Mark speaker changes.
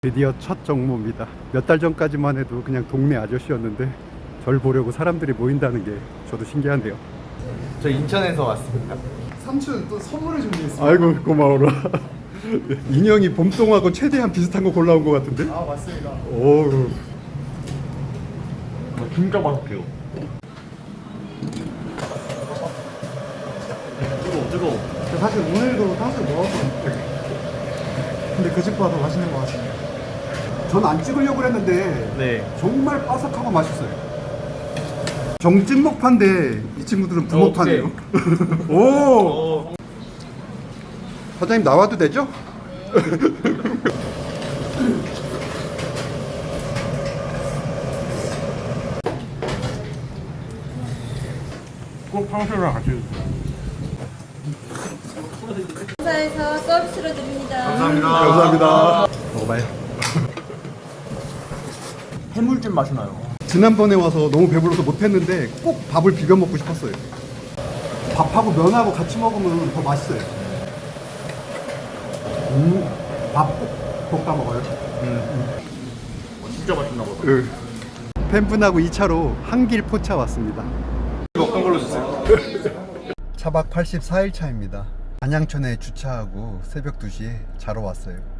Speaker 1: 드디어 첫 정모입니다. 몇 달 전까지만 해도 그냥 동네 아저씨였는데 절 보려고 사람들이 모인다는 게 저도 신기한데요.
Speaker 2: 저 인천에서 왔습니다.
Speaker 3: 삼촌 또 선물을 준비했어요.
Speaker 1: 아이고 고마워라. 인형이 봄동하고 최대한 비슷한 거 골라온 것 같은데?
Speaker 3: 아 맞습니다.
Speaker 1: 오,
Speaker 2: 진짜 맛있게요. 뜨거워.
Speaker 3: 사실 오늘도 탕수육 먹었거든요. 근데 그 집보다 더 맛있는 것 같습니다.
Speaker 1: 전 안 찍으려고 했는데
Speaker 2: 네.
Speaker 1: 정말 바삭하고 맛있어요. 정찐목파인데 이 친구들은 부목파네요. 오, 사장님 나와도 되죠?
Speaker 2: 꼭 탕수육이랑 같이 드세요.
Speaker 4: 회사에서 서비스로 드립니다.
Speaker 1: 감사합니다. 먹어봐요.
Speaker 2: 해물찜 맛이 나요.
Speaker 1: 지난번에 와서 너무 배불러서 못했는데 꼭 밥을 비벼 먹고 싶었어요. 밥하고 면하고 같이 먹으면 더 맛있어요. 밥 꼭 볶아 먹어요.
Speaker 2: 진짜 맛있나 보다.
Speaker 1: 팬분하고 2차로 한길 포차 왔습니다.
Speaker 2: 어떤 걸로 주세요?
Speaker 1: 차박 84일 차입니다. 안양천에 주차하고 새벽 2시에 자러 왔어요.